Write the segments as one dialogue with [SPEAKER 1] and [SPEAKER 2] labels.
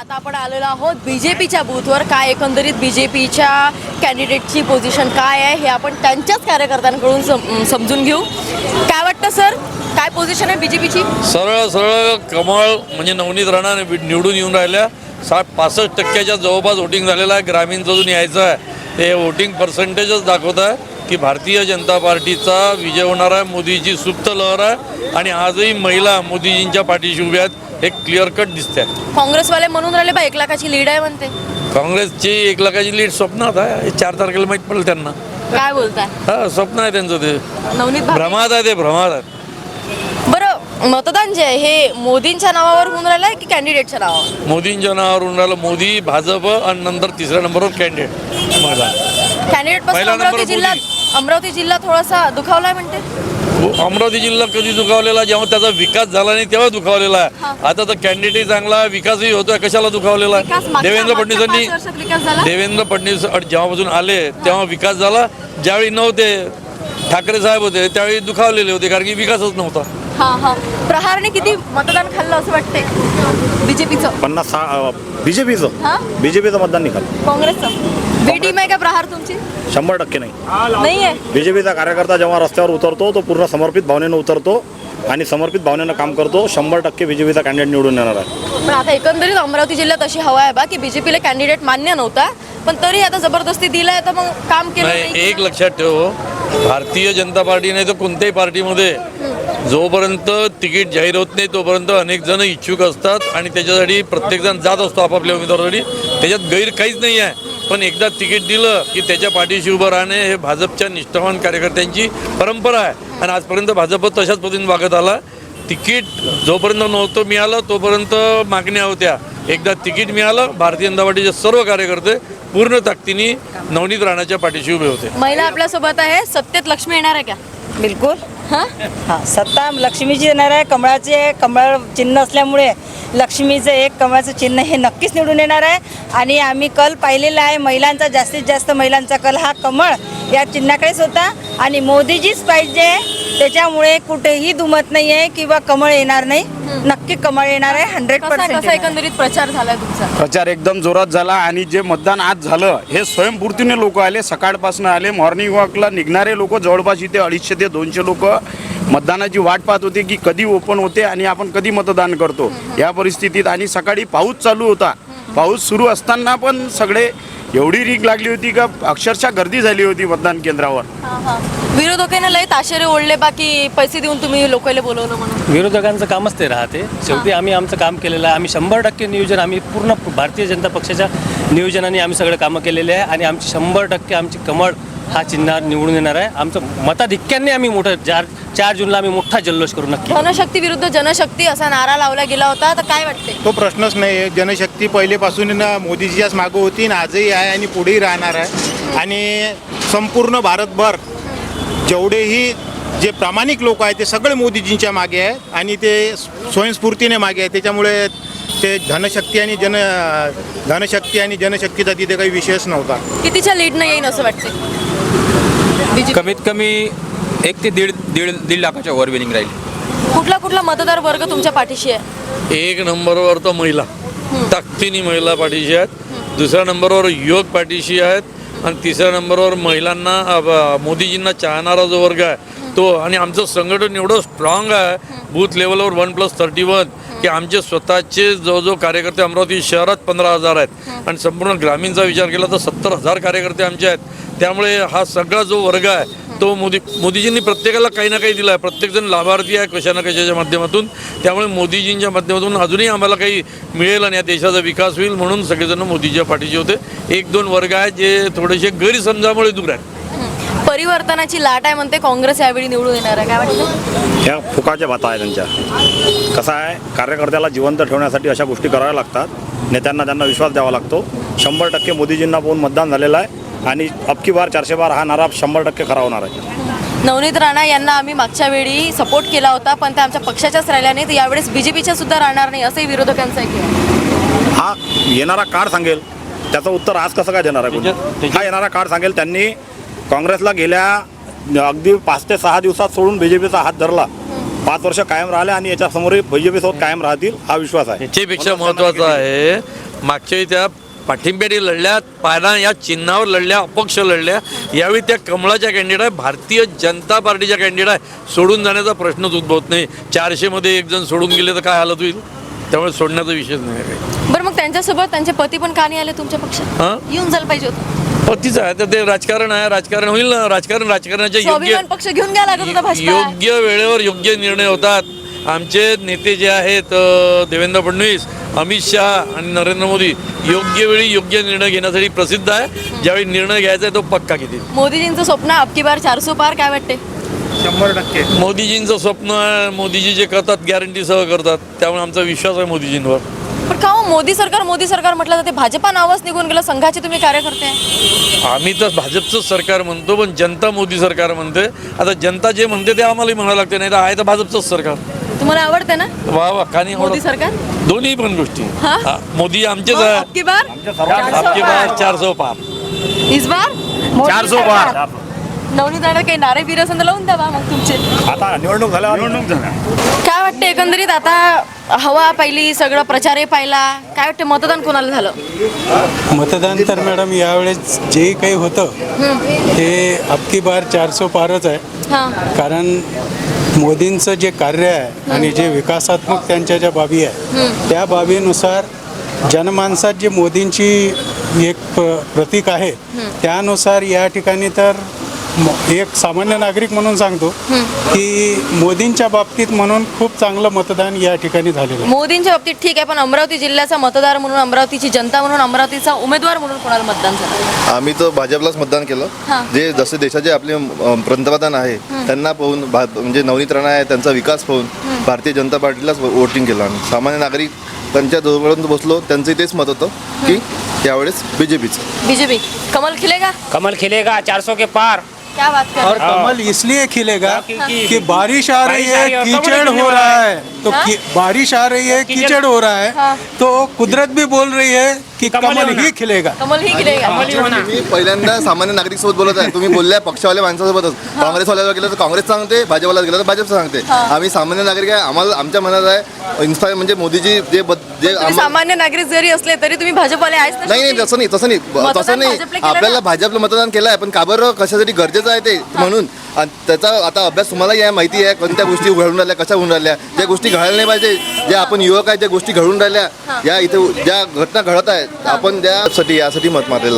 [SPEAKER 1] आता आपण आलेलो आहोत बीजेपीच्या बूथवर. काय एकंदरीत बीजेपीच्या कॅन्डिडेटची पोझिशन काय आहे हे आपण त्यांच्याच कार्यकर्त्यांकडून समजून घेऊ. काय वाटतं सर, काय पोझिशन आहे बीजेपीची?
[SPEAKER 2] सरळ सरळ कमळ म्हणजे नवनीत राणा निवडून येऊन राहिल्या. 65% जवळपास वोटिंग झालेलं आहे. ग्रामीणचं अजून यायचं आहे. ते वोटिंग पर्सेंटेजच दाखवत आहे की भारतीय जनता पार्टीचा विजय होणार आहे. मोदीची सुप्त लहर आहे आणि आजही महिला मोदीजींच्या पाठीशी उभ्या आहेत. हे क्लिअर कट दिसते.
[SPEAKER 1] काँग्रेसवाले म्हणून राहिले बा 1 लाखाची लीड आहे म्हणते.
[SPEAKER 2] काँग्रेसची 1 लाखाची लीड स्वप्नात आहे. 4 तारखेला माहीत पडेल त्यांना.
[SPEAKER 1] काय बोलताय?
[SPEAKER 2] हा, स्वप्न आहे त्यांचं. ते
[SPEAKER 1] नवनीत
[SPEAKER 2] भ्रमात आहे. ते भ्रमात आहे.
[SPEAKER 1] बरं, मतदान जे आहे हे मोदींच्या नावावर होऊन राहिलं आहे की कॅन्डिडेटच्या नावावर?
[SPEAKER 2] मोदींच्या नावावर होऊन राहिलं. मोदी, भाजप आणि नंतर तिसऱ्या नंबरवर कॅन्डिडेट महिला.
[SPEAKER 1] कॅन्डिडेट पासून अमरावती जिल्हा थोडासा दुखावलाय म्हणते.
[SPEAKER 2] अमरावती जिल्हा कधी दुखावलेला? जेव्हा त्याचा विकास झाला नाही तेव्हा दुखावलेला आहे. आता तर कॅन्डिडेटही चांगला, विकासही होतोय. कशाला दुखावलेला आहे? देवेंद्र फडणवीस जेव्हापासून आले तेव्हा विकास झाला. ज्यावेळी नव्हते ठाकरे साहेब होते त्यावेळी दुखावलेले होते, कारण की विकासच नव्हता.
[SPEAKER 1] प्रहारने किती मतदान खाल्लं असं वाटतंय बीजेपीचं?
[SPEAKER 3] 50 बीजेपीचं मतदान निघालं.
[SPEAKER 1] काँग्रेसचं बी टीम आहे का प्रहार तुमची?
[SPEAKER 3] 100%
[SPEAKER 1] नाही आहे.
[SPEAKER 3] बीजेपीचा कार्यकर्ता जेव्हा रस्त्यावर उतरतो तो पूर्ण समर्पित भावनेनं उतरतो आणि समर्पित भावनेनं काम करतो. 100% बीजेपीचा कॅन्डिडेट निवडून येणार आहे.
[SPEAKER 1] पण आता एकंदरीत अमरावती जिल्ह्यात अशी हवा आहे बा की बीजेपीला कॅन्डिडेट मान्य नव्हता, पण तरी आता जबरदस्ती दिलाय तर मग काम केलं
[SPEAKER 2] नाही. एक लक्षात ठेव, भारतीय जनता पार्टी नाही तर कोणत्याही पार्टीमध्ये जोपर्यंत तिकीट जाहीर होत नाही तोपर्यंत अनेक जण इच्छुक असतात आणि त्याच्यासाठी प्रत्येकजण जात असतो आपापल्या उमेदवारासाठी. त्याच्यात गैर काहीच नाही आहे. पण एकदा तिकीट दिलं की त्याच्या पाठीशी उभं राहणे हे भाजपच्या निष्ठावान कार्यकर्त्यांची परंपरा आहे आणि आजपर्यंत भाजप तशाच पद्धतीने वागत आला. तिकीट जोपर्यंत नव्हतं मिळालं तोपर्यंत मागण्या होत्या. एकदा तिकीट मिळालं, भारतीय जनता पार्टीचे सर्व कार्यकर्ते पूर्ण ताकदीने नवनीत राणाच्या पाठीशी उभे होते.
[SPEAKER 1] महिला आपल्यासोबत आहे. सत्तेत लक्ष्मी येणार आहे का?
[SPEAKER 4] बिलकुल.
[SPEAKER 1] हां,
[SPEAKER 4] सत्ता लक्ष्मीची येणार आहे. कमळाचे कमळ चिन्ह असल्यामुळे लक्ष्मीचं एक कमळाचं चिन्ह हे नक्कीच निवडून येणार आहे. आणि आम्ही कल पाहिलेला आहे महिलांचा, जास्तीत जास्त महिलांचा कल हा कमळ या चिन्हाकडेच होता आणि मोदीजीच पाहिजे. त्याच्यामुळे कुठेही दुमत नाही आहे किंवा कमळ येणार नाही. नक्की कमळ येणार आहे. 100%.
[SPEAKER 1] कसा एकंदरीत प्रचार झालाय तुमचा?
[SPEAKER 5] प्रचार एकदम जोरात झाला आणि जे मतदान आज झालं हे स्वयंपूर्तीने लोक आले. सकाळपासून आले. मॉर्निंग वॉकला निघणारे लोक जवळपास इथे 250 ते 200 लोक मतदानाची वाट पाहत होते की कधी ओपन होते आणि आपण कधी मतदान करतो या परिस्थितीत. आणि सकाळी पाऊस चालू होता. पाऊस सुरू असताना पण सगळे एवढी रीक लागली होती का अक्षरशः गर्दी झाली होती मतदान केंद्रावर.
[SPEAKER 1] विरोधकांना लय ताशेरे ओढले बाकी पैसे देऊन तुम्ही लोकांना बोलवलं म्हणून.
[SPEAKER 6] विरोधकांचं कामच ते राहते. शेवटी आम्ही आमचं काम केलेलं आहे. आम्ही 100% नियोजन, आम्ही पूर्ण भारतीय जनता पक्षाच्या नियोजनाने आम्ही सगळे कामं केलेले आहे आणि आमची 100% आमची कमळ हा चिन्ह निवडून येणार आहे. आमचं मताधिक्याने आम्ही मोठं 4 जूनला आम्ही मोठा जल्लोष करू नक्की.
[SPEAKER 1] धनशक्ती विरुद्ध जनशक्ती असा नारा लावला गेला होता, तर काय वाटते?
[SPEAKER 7] तो प्रश्नच नाही आहे. जनशक्ती पहिलेपासून मोदीजीच्याच मागं होती आणि आजही आहे आणि पुढेही राहणार आहे. आणि संपूर्ण भारतभर जेवढेही जे प्रामाणिक लोक आहेत ते सगळे मोदीजींच्या मागे आहेत आणि ते स्वयंस्फूर्तीने मागे आहेत. त्याच्यामुळे ते धनशक्ती आणि जनशक्तीचा तिथे काही विषयच नव्हता.
[SPEAKER 1] कितीच्या लीडनं येईन असं वाटते?
[SPEAKER 8] कमीत कमी 1 ते दीड लाखाच्या वर विनिंग राहील.
[SPEAKER 1] कुठला मतदार वर्ग तुमच्या पाठीशी आहे?
[SPEAKER 2] 1 नंबरवर तर महिला, ताकदीने महिला पाठीशी आहेत. दुसऱ्या नंबरवर युवक पाठीशी आहेत आणि तिसऱ्या नंबरवर महिलांना मोदीजींना चाहणारा जो वर्ग आहे तो. आणि आमचं संघटन एवढं स्ट्रॉंग आहे बूथ लेवलवर 1+31 की आमचे स्वतःचे जवळजवळ कार्यकर्ते अमरावती शहरात 15,000 आहेत आणि संपूर्ण ग्रामीणचा विचार केला तर 70,000 कार्यकर्ते आमचे आहेत. त्यामुळे हा सगळा जो वर्ग आहे तो मोदीजींनी प्रत्येकाला काही ना काही दिला आहे. प्रत्येकजण लाभार्थी आहे कशा ना कशाच्या माध्यमातून. त्यामुळे मोदीजींच्या माध्यमातून अजूनही आम्हाला काही मिळेल आणि या देशाचा विकास होईल म्हणून सगळेजण मोदीजीच्या पाठीचे होते. 1-2 वर्ग आहेत जे थोडेसे गैरसमजामुळे दूर आहेत.
[SPEAKER 1] परिवर्तनाची लाट आहे म्हणते काँग्रेस यावेळी निवडून येणार आहे. काय वाटतं?
[SPEAKER 3] ह्या फुकाच्या बाता आहे त्यांच्या. कसं आहे, कार्यकर्त्याला जिवंत ठेवण्यासाठी अशा गोष्टी कराव्या लागतात. नेत्यांना त्यांना विश्वास द्यावा लागतो. 100% मोदीजींना पाहून मतदान झालेलं आहे आणि अबकी बार 400 बार हा नारा 100% खरा होणार आहे.
[SPEAKER 1] नवनीत राणा यांना आम्ही मागच्या वेळी सपोर्ट केला होता पण त्या आमच्या पक्षाच्याच राहिल्या नाही, तर यावेळेस बीजेपीच्या सुद्धा राहणार नाही असंही विरोधकांचं आहे.
[SPEAKER 3] हा येणारा काळ सांगेल त्याचं उत्तर आज कसं काय देणार आहे कोणी? हा येणारा काळ सांगेल. त्यांनी काँग्रेसला गेल्या अगदी 5 ते 6 दिवसात सोडून बीजेपीचा हात धरला. 5 वर्ष कायम राहिले आणि याच्यासमोरही बीजेपी सोबत कायम राहतील हा विश्वास आहे.
[SPEAKER 2] याच्यापेक्षा महत्त्वाचं आहे मागच्या वेळी त्या पाठिंब्याने लढल्या, पाना या चिन्हावर लढल्या, अपक्ष लढल्या. यावेळी त्या कमळाच्या कॅन्डिडेट आहे, भारतीय जनता पार्टीच्या कॅन्डिडेट आहे. सोडून जाण्याचा प्रश्नच उद्भवत नाही. 400मध्ये एक जण सोडून गेले तर काय हालत होईल? त्यामुळे सोडण्याचा विषयच नाही आहे काही.
[SPEAKER 1] बरं, मग त्यांच्यासोबत त्यांचे पती पण का नाही आले तुमच्या पक्षात?
[SPEAKER 2] हां,
[SPEAKER 1] येऊन जायला पाहिजे होतं.
[SPEAKER 2] पतीच आहे तर ते राजकारण आहे, राजकारण होईल ना. राजकारणाच्या
[SPEAKER 1] स्वाभिमान पक्ष घेऊन घ्या लागत होता भाजपा.
[SPEAKER 2] योग्य वेळेवर योग्य निर्णय होतात. आमचे नेते जे आहेत देवेंद्र फडणवीस, अमित शहा आणि नरेंद्र मोदी योग्य वेळी योग्य निर्णय घेण्यासाठी प्रसिद्ध आहे. ज्यावेळी निर्णय घ्यायचा आहे तो पक्का घेतील.
[SPEAKER 1] मोदीजींचं स्वप्न अबकी बार 400 पार, काय वाटते?
[SPEAKER 7] 100%.
[SPEAKER 2] मोदीजींचं स्वप्न आहे, मोदीजी जे करतात गॅरंटीसह करतात, त्यामुळे आमचा विश्वास आहे मोदीजींवर.
[SPEAKER 1] पण का हो मोदी सरकार म्हटलं जाते, भाजपा नावच निघून गेलं. संघाचे तुम्ही कार्यकर्ते आहे.
[SPEAKER 2] आम्ही तर भाजपचंच सरकार म्हणतो, पण जनता मोदी सरकार म्हणते. आता जनता जे म्हणते ते आम्हालाही म्हणावं लागते, नाही तर आहे तर भाजपचंच सरकार.
[SPEAKER 1] तुम्हाला आवडते ना
[SPEAKER 2] वा वा, का नाही
[SPEAKER 1] मोदी
[SPEAKER 2] आवडत?
[SPEAKER 1] सरकार?
[SPEAKER 2] दोन्ही पण गोष्टी.
[SPEAKER 1] हा?
[SPEAKER 2] हा, मोदी आमचेच
[SPEAKER 1] और
[SPEAKER 2] आहे.
[SPEAKER 1] अबकी बार
[SPEAKER 2] आपके पास 400 पार.
[SPEAKER 1] इस बार
[SPEAKER 3] 400 पार.
[SPEAKER 1] नवनीत राणा काही नारे बिर असेल तर लावून द्यावा मग तुमचे.
[SPEAKER 3] आता निवडणूक झाल्या.
[SPEAKER 1] काय वाटतं एकंदरीत आता हवा पाहिली, सगळं प्रचारही पाहिला, काय वाटतं मतदान कोणाला झालं?
[SPEAKER 9] मतदान तर मॅडम यावेळेस जे काही होतं ते अबकी बार 400 पारच आहे.
[SPEAKER 1] हां,
[SPEAKER 9] कारण मोदींचं जे कार्य आहे आणि जे विकासात्मक त्यांच्या ज्या बाबी आहे त्या बाबीनुसार जनमानसात जे मोदींची एक प्रतीक आहे त्यानुसार या ठिकाणी तर एक सामान्य नागरिक म्हणून सांगतो की मोदींच्या बाबतीत म्हणून खूप चांगलं मतदान या ठिकाणी झालेलं आहे.
[SPEAKER 1] मोदींच्या बाबतीत ठीक आहे, पण अमरावती जिल्ह्याचा मतदार म्हणून, अमरावतीची जनता म्हणून, अमरावतीचा उमेदवार म्हणून कोणाला मतदान झालं?
[SPEAKER 10] आम्ही तर भाजपलाच मतदान केलं.
[SPEAKER 1] हां.
[SPEAKER 10] जे जसे देशाचे आपले पंतप्रधान आहे त्यांना पाहून म्हणजे नवनीत राणा आहे त्यांचा विकास पाहून भारतीय जनता पार्टीलाच वोटिंग केलं आम्ही. सामान्य नागरिक त्यांच्या जवळपर्यंत बसलो, त्यांचंही तेच मत होतं की यावेळेस बीजेपीचं.
[SPEAKER 1] बीजेपी कमल खिलेगा?
[SPEAKER 11] कमल खिलेगा 400 के पार.
[SPEAKER 1] क्या बात कर
[SPEAKER 9] और कमल इसलिए खिलेगा कि बारिश आ रही है,
[SPEAKER 11] और
[SPEAKER 9] कीचड़
[SPEAKER 11] कमल
[SPEAKER 9] हो रहा है, तो
[SPEAKER 1] हाँ?
[SPEAKER 9] बारिश आ रही है, कीचड़ हो रहा
[SPEAKER 1] हाँ।
[SPEAKER 9] है, तो कुदरत भी बोल रही है कि कमल ही खिलेगा.
[SPEAKER 1] कमल ही खिलेगा.
[SPEAKER 10] मी पहिल्यांदा सामान्य नागरिक सोबत बोलत आहे. तुम्ही बोलल्या पक्षवाल्या माणसासोबतच. काँग्रेसवाल्यावर गेलं तर काँग्रेस सांगते, भाजपला गेलं तर भाजप सांगते. आम्ही सामान्य नागरिक आहे. आम्हाला आमच्या मनात आहे इन्स्पायर म्हणजे मोदीजी जे
[SPEAKER 1] तुम्ही सामान्य नागरिक जरी असले तरी तुम्ही भाजपवाले आहेच ना?
[SPEAKER 10] नाही तसं नाही तसं
[SPEAKER 1] भाजपला
[SPEAKER 10] नाही.
[SPEAKER 1] केलं ना?
[SPEAKER 10] आपल्याला भाजपला मतदान केलं आहे, पण का बरं कशासाठी गरजेचं आहे ते म्हणून. आणि त्याचा आता अभ्यास तुम्हाला या माहिती आहे कोणत्या गोष्टी घडून राहिल्या, कशा होऊन राहिल्या. ज्या गोष्टी घडायला नाही पाहिजे, ज्या आपण युवक आहे ज्या गोष्टी घडून राहिल्या, या इथे ज्या घटना घडत आहेत आपण यासाठी मत मारलेलं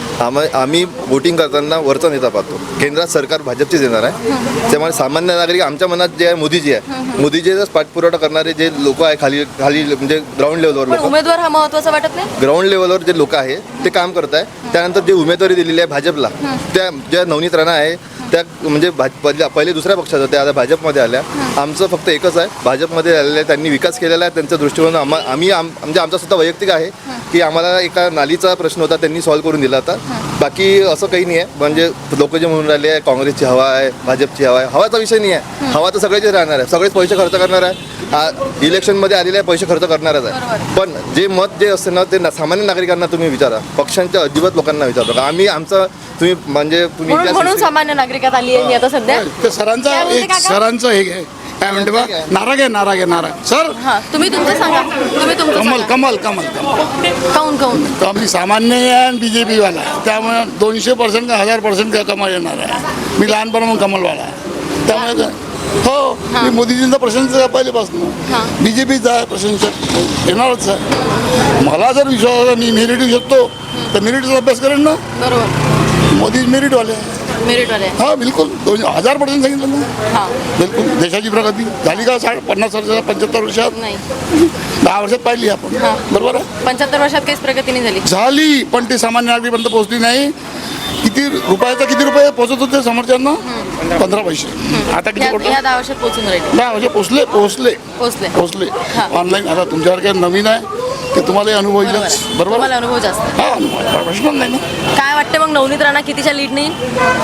[SPEAKER 10] आम्ही वोटिंग करताना वरचा नेता पाहतो. केंद्रात सरकार भाजपचीच येणार आहे. त्यामुळे सामान्य नागरिक आमच्या मनात जे आहे मोदीजी आहे, मोदीजीचाच पाठपुरावा करणारे जे लोक आहे खाली म्हणजे ग्राउंड लेवलवर
[SPEAKER 1] पण
[SPEAKER 10] लोक,
[SPEAKER 1] उमेदवार हा महत्वाचा वाटत नाही?
[SPEAKER 10] ग्राउंड लेवलवर जे लोक आहे ते काम करत आहे. त्यानंतर जे उमेदवारी दिलेली आहे भाजपला, त्या ज्या नवनीत राणा आहे त्या म्हणजे पहिले दुसऱ्या पक्षात होत्या, आता भाजपमध्ये आल्या. आमचं फक्त एकच आहे, भाजपमध्ये आलेलं आहे, त्यांनी विकास केलेला आहे. त्यांच्या दृष्टिकोन म्हणजे आमचा सुद्धा वैयक्तिक आहे की आम्हाला एका नालीचा प्रश्न होता त्यांनी सॉल्व्ह करून दिला होता. बाकी असं काही नाही आहे. म्हणजे लोक जे म्हणून राहिले आहे काँग्रेसची हवा आहे, भाजपची हवा आहे, हवाचा विषय नाही आहे. हवा तर सगळेच राहणार आहे, सगळेच पैसे खर्च करणार आहे. इलेक्शनमध्ये आलेले पैसे खर्च करणारच आहे. पण जे मत जे असते ना ते सामान्य नागरिकांना तुम्ही विचारा, पक्षांच्या अजिबात लोकांना विचारतो का आम्ही आमचं तुम्ही म्हणजे तुम्ही
[SPEAKER 1] म्हणून सामान्य नागरिकात आली आहे मी आता सध्या.
[SPEAKER 5] ते सरांचा
[SPEAKER 1] काय बोलते
[SPEAKER 5] एक
[SPEAKER 1] काका?
[SPEAKER 5] सरांचं हे आहे. काय म्हणते बा नाराग सर.
[SPEAKER 1] हा, तुम्ही तुमचं सांगा. तुम्ही तुमचं
[SPEAKER 5] कमल
[SPEAKER 1] सांगा.
[SPEAKER 5] कमल कमल कमल
[SPEAKER 1] काऊन
[SPEAKER 5] तर आम्ही सामान्य आहे आणि BJP-वाला आहे. त्यामुळे 200% का 1000% का कमल येणार आहे. मी लहानपणापासून कमलवाला आहे. त्यामुळे हो मी मोदीजींचा प्रशंसक पहिलेपासून. BJPचा आहे प्रशंसक, येणारच आहे. मला जर विश्वास मी मेरिट शकतो तर मेरिटचा अभ्यास करेन ना.
[SPEAKER 1] बरोबर,
[SPEAKER 5] मोदी मेरिटवाले आहे.
[SPEAKER 1] मेरिटवाले.
[SPEAKER 5] हा बिलकुल 1000% सांगितलं ना.
[SPEAKER 1] हा,
[SPEAKER 5] बिलकुल देशाची प्रगती झाली का 50 वर्षात 75 वर्षात
[SPEAKER 1] नाही
[SPEAKER 5] 10 वर्षात पाहिली आपण. बरोबर आहे
[SPEAKER 1] 75 वर्षात काहीच प्रगती नाही झाली.
[SPEAKER 5] झाली, पण ते सामान्य नागरिकांपर्यंत पोहोचली नाही. किती रुपये पोहोचत होते समोरच्यांना? 15 पैसे. आता किती
[SPEAKER 1] या
[SPEAKER 5] पोहोचले?
[SPEAKER 1] 10 वर्षात पोहोचून राहिले.
[SPEAKER 5] 10 वर्ष पोहोचले.
[SPEAKER 1] हा.
[SPEAKER 5] ऑनलाईन आता तुमच्यासारखे नवीन आहे ते तुम्हाला अनुभव येईलच. बरोबर
[SPEAKER 1] तुम्हाला
[SPEAKER 5] आहे?
[SPEAKER 1] अनुभव जास्त.
[SPEAKER 5] हा प्रश्न नाही ना.
[SPEAKER 1] काय वाटतं मग नवनीत राणा कितीच्या लीड नाही?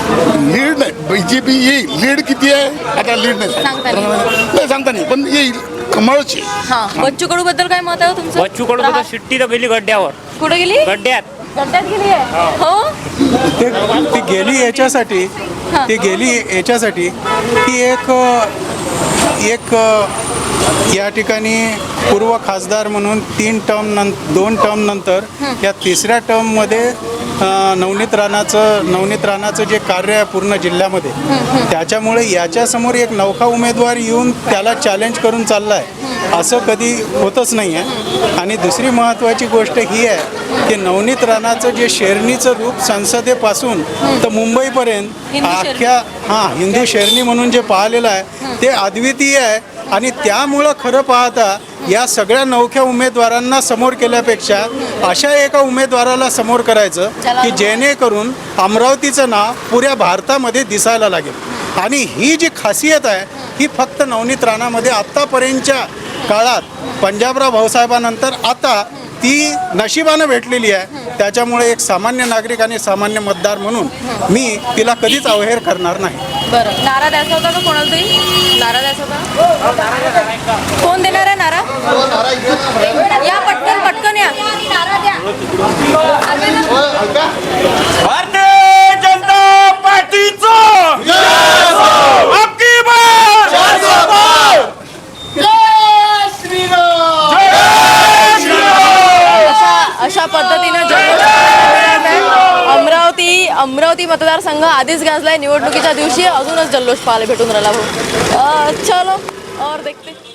[SPEAKER 5] लीड नाही, BJP येईल. लीड किती आहे आता लीड नाही
[SPEAKER 1] सांगता नाही.
[SPEAKER 5] नाही सांगता नाही, पण येईल कमळची.
[SPEAKER 1] हा, बच्चू कडू बद्दल काय मत आहे हो तुमचं?
[SPEAKER 11] बच्चू कडू तर शिट्टी तर गेली गड्ड्यावर.
[SPEAKER 1] कुठे गेली?
[SPEAKER 11] गड्ड्यात.
[SPEAKER 1] गड्ड्यात गेली आहे. हो,
[SPEAKER 9] ती गेली याच्यासाठी की एक या ठिकाणी पूर्व खासदार म्हणून 2 टर्म नंतर या तिसऱ्या टर्ममध्ये नवनीत राणाचं जे कार्य आहे पूर्ण जिल्ह्यामध्ये, त्याच्यामुळे याच्यासमोर एक नौका उमेदवार येऊन त्याला चॅलेंज करून चालला आहे असं कधी होतच नाही आहे. आणि दुसरी महत्त्वाची गोष्ट ही आहे की नवनीत राणाचं जे शेरणीचं रूप संसदेपासून तर मुंबईपर्यंत अख्ख्या हिंदू शेरणी म्हणून जे पाहिलेलं आहे ते अद्वितीय आहे. आणि त्यामुळं खरं पाहता या सगळ्या नवख्या उमेदवारांना समोर केल्यापेक्षा अशा एका उमेदवाराला समोर करायचं की जेणेकरून अमरावतीचं नाव पुऱ्या भारतामध्ये दिसायला लागेल. आणि ही जी खासियत आहे ही फक्त नवनीत राणामध्ये आत्तापर्यंतच्या काळात पंजाबराव भाऊसाहेबांनंतर आता ती नशिबानं भेटलेली आहे. त्याच्यामुळे एक सामान्य नागरिक आणि सामान्य मतदार म्हणून मी तिला कधीच अवहेर करणार नाही.
[SPEAKER 1] बरं, नारा द्यायचा होता का कोणाला तरी? नारा द्यायचा होता? कोण देणार आहे नारा? या पटकन या.
[SPEAKER 5] भारतीय जनता पार्टीचं अबकी बार
[SPEAKER 1] अशा पद्धतीनं अमरावती मतदारसंघ आधीच गाजलाय. निवडणुकीच्या दिवशी अजूनच जल्लोष पाहायला भेटून राहिला भाऊ. चलो और देखते.